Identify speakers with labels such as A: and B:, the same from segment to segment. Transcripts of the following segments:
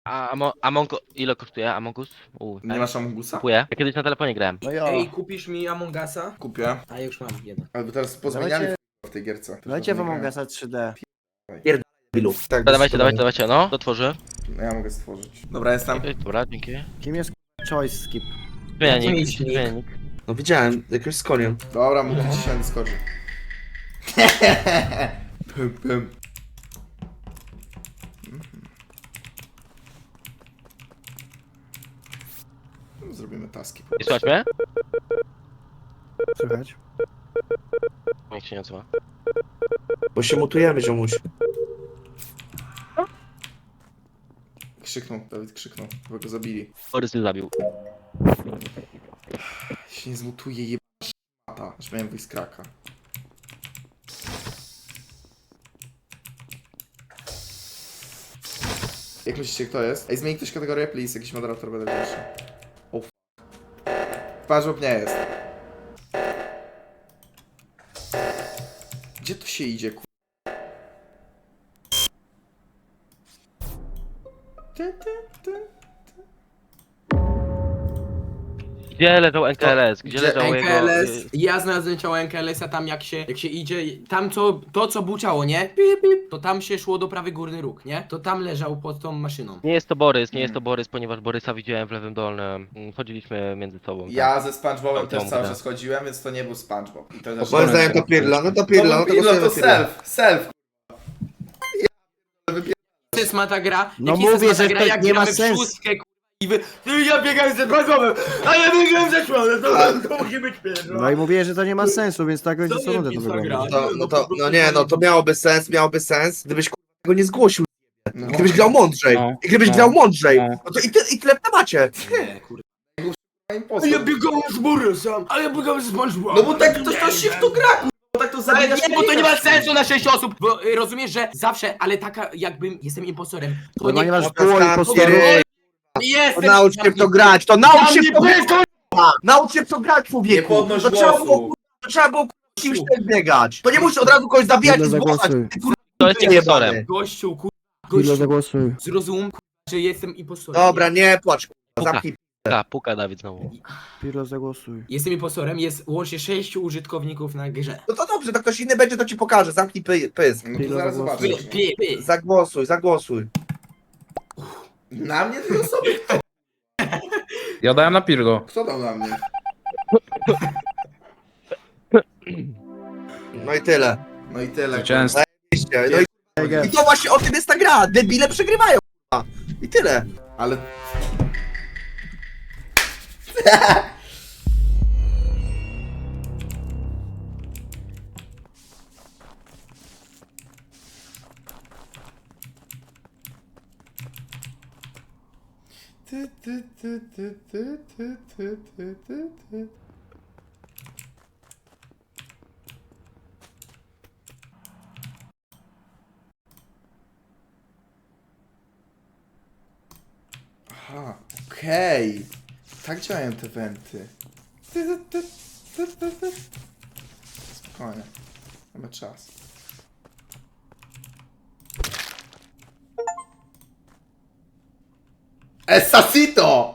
A: Ile kosztuje Among Us?
B: Nie masz Amongusa?
A: Kupuję. Ja kiedyś na telefonie grałem.
C: No jo.
D: Ej, kupisz mi Among Usa?
B: Kupię.
D: A ja już mam jeden.
B: Albo teraz pozmieniali
C: Dawajcie-
B: w tej gierce.
C: Dajcie wam Among Usa 3D.
B: Tak,
A: Dawajcie, no. To tworzę.
B: No ja mogę stworzyć. Dobra, jestem.
A: Dobra, dzięki.
C: Kim jest choice skip?
A: Zmienianik,
D: Jaki
A: zmienianik.
E: No widziałem, jakoś z koniem.
B: Dobra, mówię ci się na Discordzie. Pym, pym. Zrobimy taski.
A: Nie słuchać mnie?
C: Słychać?
A: Nikt się nie odzywa.
E: Bo się mutujemy, ziomuś.
B: Krzyknął, Dawid krzyknął, bo go zabili.
A: Borys mnie zabił.
B: Się nie zmutuje, jebana szmata. Aż miałem wyjść z kraka. Jak myślicie, kto jest? Ej, zmieni ktoś kategorię, please. Jakiś moderator będę większy. O f... Parzop nie jest. Gdzie to się idzie, ku...
A: Gdzie leżał NKLS? Gdzie
B: Gdzie
A: leżał jego...
D: NKLS, ja znalazłem ciało NKLS-a tam jak się idzie, tam co było ciało, nie? Pip, pip, to tam się szło do prawy górny róg, nie? To tam leżał pod tą maszyną.
A: Nie jest to Borys, nie jest to Borys, ponieważ Borysa widziałem w lewym dolnym. Chodziliśmy między sobą. tak.
B: Ja ze SpongeBobem też
A: Tą
B: cały
A: grę.
B: czas chodziłem, więc to nie był SpongeBob. I to też
E: Moim zdaniem to Pirla, no to Pirla, no to
B: Pirlo
E: głosujemy
B: to
E: Pirla.
B: self.
D: To jest ma ta gra,
C: No
D: jak jest
C: mówię,
D: ma ta
C: że
D: gra,
C: to
D: jak
C: nie ma
D: gramy w
C: sensu.
D: szóstkę, ja biegałem ze SpongeBobem, a ja biegałem ze Szłonem, to musi być pierwsza.
C: No i mówię, że to nie ma sensu, więc tak będzie
D: To
C: co
D: nie
C: rundę to
D: pisa gra.
C: wygląda.
E: No nie, no to miałoby sens, gdybyś go nie zgłosił.
B: No.
E: I gdybyś grał mądrzej.
F: No.
E: I gdybyś
F: No.
E: grał mądrzej.
F: No.
E: No to i tyle w temacie.
D: Nie, kurde. A ja biegałem z Borysem, a ja biegałem z SpongeBobem.
B: No bo tak to się w to gra, kurwa, bo tak to
D: Ale
B: zabijasz.
D: nie, bo to nie ma sensu na 6 osób, bo rozumiesz, że zawsze, ale taka jakbym jestem impostorem, to
C: Normalnie
D: nie...
C: masz pół impostorów.
E: To
D: Jestem...
E: naucz się w to grać, to naucz się w to grać.
D: grać!
E: Naucz się w to grać,
B: Nie
E: człowieku.
B: podnoś
E: To trzeba było,
B: głosu.
E: to trzeba było kimś też biegać. To nie musisz od razu kogoś zabijać i
C: Ile
E: zgłaszać.
C: zagłosuj?
E: Ty, kurwa,
A: To jest
E: jebany.
A: impostorem.
D: Gościu,
C: Ile
D: gościu,
C: zagłosuj?
D: zrozum, że jestem impostorem.
E: Dobra, nie płacz, kurwa, zamknij.
A: Puka Dawid znowu.
C: Pirlo zagłosuj.
D: Jestem impostorem, jest łącznie 6 użytkowników na grze.
E: No to dobrze, to ktoś inny będzie, to ci pokaże. Zamknij pysk.
B: No to zaraz zobaczysz.
E: Zagłosuj.
B: Na mnie dwie osoby?
F: Ja dałem na Pirlo.
B: Kto dał na mnie?
E: No i tyle.
B: No i tyle.
F: Zwycięstwo.
E: No i to właśnie o tym jest ta gra. Debile przegrywają. Kurwa. I tyle.
B: Ale... Aha, okej. Tak działają te wenty. Spokojnie. Mamy czas. Esasito!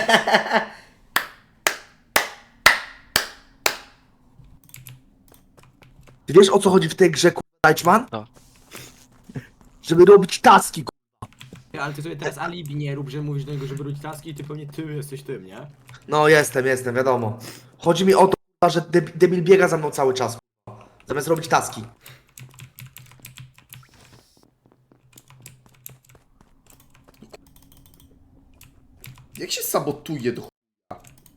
E: Ty wiesz o co chodzi w tej grze, kurwa, Deichmann?
A: No.
E: Żeby robić taski, kurwa.
D: Ale ty sobie teraz alibi nie rób, że mówisz do niego, żeby robić taski i ty pewnie ty jesteś tym, nie?
E: No jestem, wiadomo. Chodzi mi o to, kurwa, że debil biega za mną cały czas, kurwa. Zamiast robić taski.
B: Jak się sabotuje do chuja?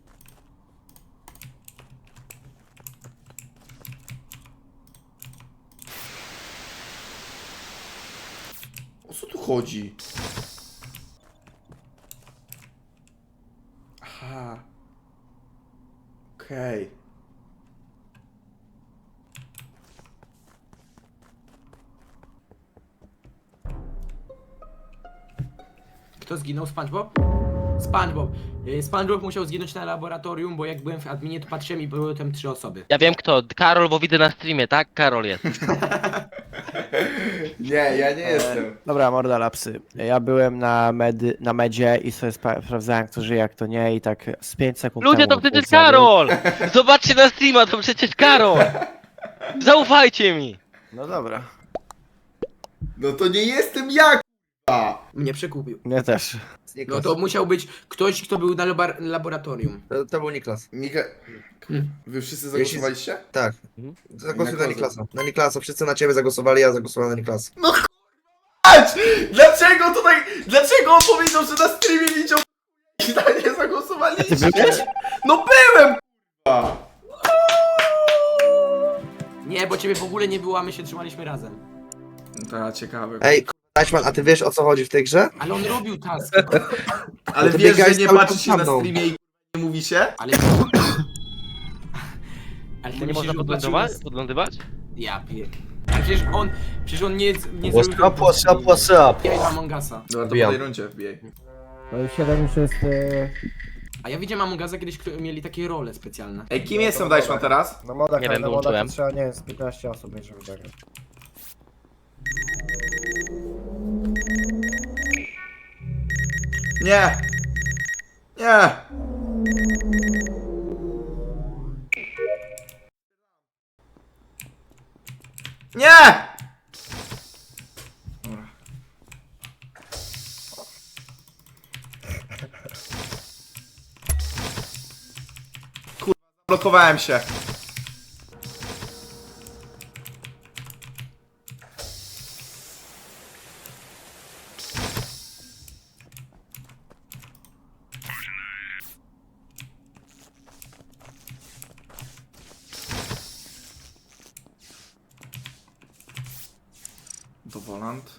B: O co tu chodzi? Aha. Okej.
D: Kto zginął? SpongeBob? SpongeBob. SpongeBob musiał zginąć na laboratorium, bo jak byłem w adminie, to patrzyłem i były tam 3 osoby.
A: Ja wiem kto, Karol, bo widzę na streamie, tak? Karol jest.
B: Nie, ja nie jestem.
C: Dobra, morda lapsy. Ja byłem na medzie i sobie sprawdzałem, kto żyje, jak to nie i tak z 5 sekund
A: Ludzie,
C: temu
A: to
C: bym
A: przecież
C: punkt zabił.
A: Karol! Zobaczcie na streama, to przecież Karol! Zaufajcie mi!
C: No dobra.
B: No to nie jestem ja, k***a.
D: Mnie przekupił.
C: Mnie też.
D: No
E: Niklas.
D: to musiał być ktoś, kto był na laboratorium.
E: To był Niklas.
B: Wy wszyscy zagłosowaliście?
E: Tak.
A: Mhm.
E: Zagłosuj
B: Na
E: na
B: kogo?
E: Niklasa. Na Niklasa. Wszyscy na ciebie zagłosowali, ja zagłosowałem na Niklasa.
B: Patrz! Dlaczego tutaj... Dlaczego on powiedział, że na streamie widział i na nie zagłosowaliście? No byłem, k***a.
D: Nie, bo ciebie w ogóle nie było, a my się trzymaliśmy razem.
B: To ciekawe.
E: Ej, Dajczman, a ty wiesz o co chodzi w tej grze?
D: Ale on robił task.
B: Ale
E: to
B: wiesz, że
E: biegałeś
B: nie
E: cały
B: patrzysz
E: czas
B: się
E: za
B: na
E: mną.
B: streamie i nie mówicie?
D: Ale... Ale ty
A: To nie
D: myślisz,
A: można
D: że
A: podlądować?
D: zobaczył
A: Podlądywać?
D: nas- Ja pier... Ale przecież on nie
E: What's
D: zrobił...
E: up, what's up, what's up?
D: Ja i Among Usa.
B: Dobra, to
E: Wbijam.
B: po tej rundzie wbijaj.
C: To już 7 już jest...
D: A ja widziałem Among Usa kiedyś, mieli takie role specjalne.
B: Ej, kim jestem Dajszman teraz?
C: No modach,
A: Nie wiem,
C: na modach
A: wyłączyłem.
C: to trzeba, nie wiem, z 15 osób mieć, żeby zagrać.
B: Nie! Nie! Nie! Dobra. Kurwa, zablokowałem się. Do Volant.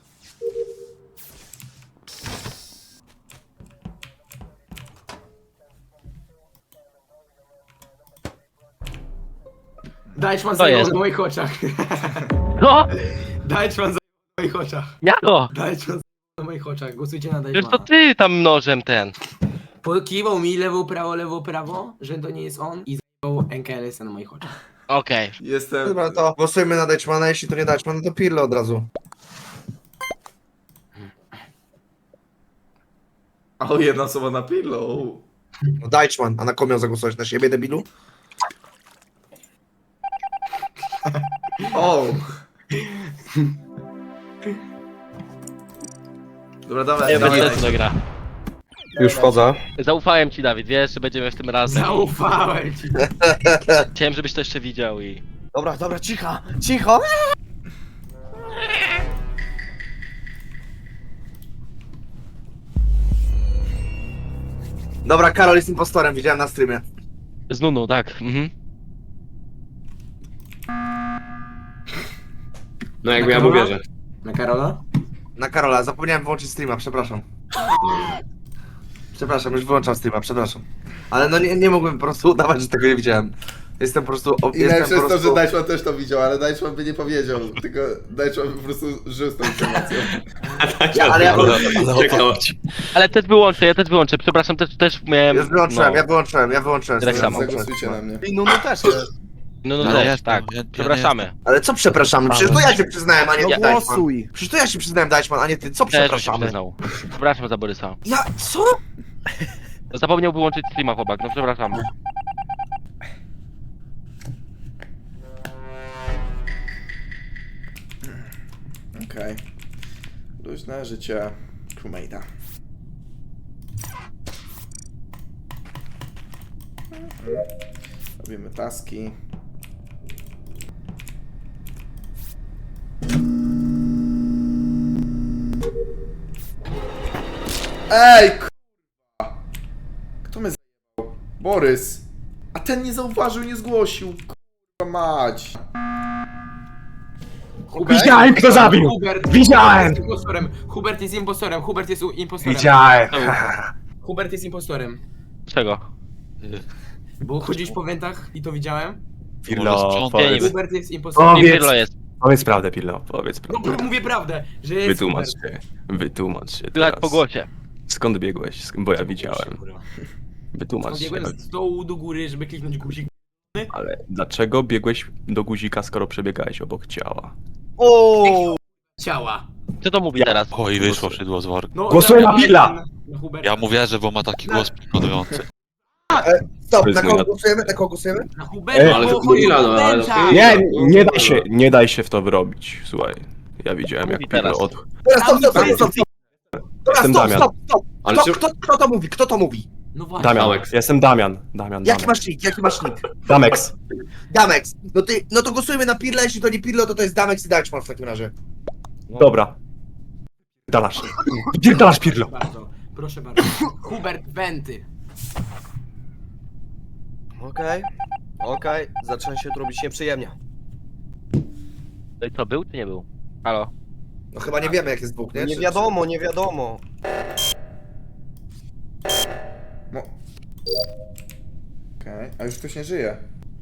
D: Dajczman
A: To
D: zajął
A: jest.
D: na moich oczach.
A: No!
D: Dajczman zajął na moich oczach.
A: Jako!
D: Dajczman zajął na moich oczach. Głosujcie na
A: Przecież to
D: Dajczmana.
A: ty tam nożem ten.
D: Pokiwał mi lewo, prawo, że to nie jest on i zajął NKLS na moich oczach.
A: Okej.
B: Jestem...
E: Dobra, to głosujmy na Dajczmana, jeśli to nie Dajczman, to Pirlo od razu.
B: O, jedna osoba na pillow.
E: No Dajczman, a na kogo miał zagłosować? Na siebie, debilu?
B: O! Dobra, dawaj,
A: Nie
B: dawaj.
A: będzie to gra.
F: Już wchodzę.
A: Zaufałem ci, Dawid, wiesz, że będziemy w tym razem.
D: Zaufałem ci.
A: Chciałem, żebyś to jeszcze widział i...
C: Dobra, dobra, cicho, cicho!
E: Dobra, Karol jest impostorem, widziałem na streamie.
A: Z Nunu, tak. Mhm.
F: No
D: jakby ja mu wierzę. Na Karola?
E: Na Karola, zapomniałem wyłączyć streama, przepraszam. Przepraszam, już wyłączam streama, przepraszam. Ale no nie mogłem po prostu udawać, że tego nie widziałem. Jestem po prostu...
B: I
E: Jestem
B: najlepsze
E: po
B: jest to, że
E: prostu...
B: Dajczman też to widział, ale Dajczman by nie powiedział, tylko Dajczman po prostu żył z tą informacją.
E: Ale ja...
A: Ale też wyłączę, ja też wyłączę. Przepraszam, też miałem...
E: Już wyłączyłem,
A: no.
E: ja wyłączyłem.
A: Tak samo.
B: Zagłosujcie na mnie.
C: I Nunu też jest.
A: No,
G: Ale
A: też,
G: jest,
A: tak.
G: ja
A: Przepraszamy.
E: Ale co przepraszamy? Przecież to ja się przyznałem, a nie
C: No
E: ty, Dajczman.
C: głosuj!
E: Przecież to ja się przyznałem, Dajczman, a nie ty. Co
A: Też mi się
E: przepraszamy?
A: przyznał. Przepraszam za Borysa.
E: Ja... co?
A: Zapomniał wyłączyć streama, chłopak, no przepraszam.
B: Okej. Luźne życie crewmate'a. Robimy taski. Ej, k***a. Kto mnie zajebał? Borys. A ten nie zauważył, nie zgłosił. K***a mać.
D: Hubert,
H: Widziałem, kto zabił!
D: Hubert,
H: Widziałem!
D: jest impostorem. Hubert jest impostorem. Hubert jest impostorem.
H: Widziałem!
D: Hubert jest impostorem.
A: Czego?
D: Bo chodzisz po wentach i to widziałem.
H: Pirlo,
A: powiedz.
D: Hubert jest impostorem.
H: Powiedz.
A: Pirlo jest.
H: Powiedz prawdę, Pirlo, powiedz
D: No
H: prawdę.
D: mówię prawdę, że jest
H: Wytłumacz
D: Hubert.
H: się, wytłumacz się
A: Słychać
H: teraz.
A: po głosie.
H: Skąd biegłeś? Bo ja widziałem. Wytłumacz się.
D: Biegłem z dołu do góry, żeby kliknąć guzik.
H: Ale dlaczego biegłeś do guzika, skoro przebiegałeś obok ciała?
E: O!
D: ciała.
A: Co to mówi teraz?
G: Oj, wyszło szydło z worka.
D: No,
F: Głosuję na
D: dobra,
F: Billa.
D: na Huberta.
G: Ja mu wierzę, bo ma taki głos przekonujący.
E: Stop,
H: To jest
E: na kogo
H: mój-
E: głosujemy? Na kogo głosujemy?
D: Na Huberta,
F: ale
D: bo
F: to
D: chodzi o
I: no, ale
D: Huberta.
I: to
H: Nie daj się w to wrobić, słuchaj. Ja widziałem jak
A: Mówi teraz.
H: Pirlo od...
E: Teraz stop. Dobra,
H: Jestem Damian.
E: stop.
F: Ale
E: Kto to mówi? Kto to mówi?
D: No właśnie.
H: Damian,
F: Damex.
H: jestem Damian. Damian.
E: Jaki masz nick?
H: Damex.
E: Damex. No to głosujemy na Pirla, jeśli to nie Pirlo, to jest Damex i Dutchman w takim razie.
H: Dobra. Dalasz. Pierdalasz Pirlo.
D: Proszę bardzo. Hubert Wenty.
I: Okej, zaczyna się tu robić nieprzyjemnie.
A: No i co, był czy nie był? Halo?
E: No chyba nie wiemy jak jest dwóch, nie?
I: Nie
E: Czy-
I: wiadomo, nie wiadomo.
B: Okej, a już ktoś nie żyje.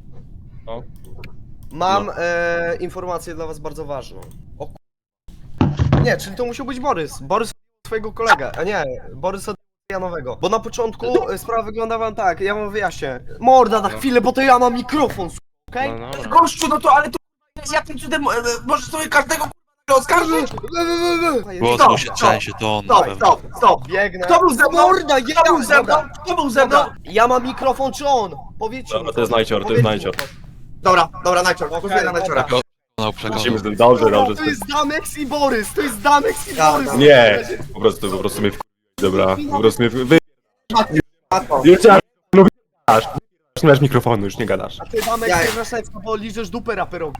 I: Mam informację dla was bardzo ważną. O ku... Nie, czyli to musiał być Borys. Borys twojego kolega, a nie, Borys od Janowego. Bo na początku sprawa wygląda wam tak, ja wam wyjaśnię. Morda na chwilę, bo to ja mam mikrofon, okej?
A: No, no, no.
E: Gościu, no to ale to jakim cudem możesz sobie każdego oskarżyć?
G: Głos
E: Stop,
G: musi
E: stop,
G: trzęsie, to on na pewno.
E: Stop.
I: Biegnę.
E: Kto był ze mną?
I: Morda, ja
E: Kto był ze mną? Kto był ze mną?
I: Ja mam mikrofon, czy on? Powiedzcie
H: Dobra,
I: mi.
H: to jest Najcior, to jest
I: Powiedzcie
H: Najcior.
I: mi.
E: Dobra, Najcior, głosuję na Najciora.
G: Przekonał, przekonał.
H: Lecimy z tym. Dobrze.
I: To jest Damex i Borys, to jest Damex i
E: Ja,
I: Borys.
H: Nie. Po prostu mnie dobra. Po prostu mnie wy...
E: Matko.
H: Już cię lubisz. Nie masz mikrofonu, już nie gadasz.
I: A ty Damex
E: Ja-
I: bierzesz serce, bo liżesz dupę raperowi.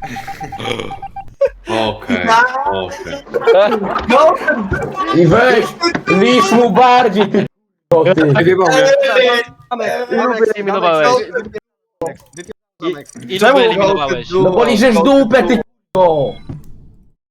F: Okej.
J: I weź, lisz mu bardziej, ty
A: Ilu wyeliminowałeś? I- Ilu wyeliminowałeś?
J: No bo liżesz dupę, ty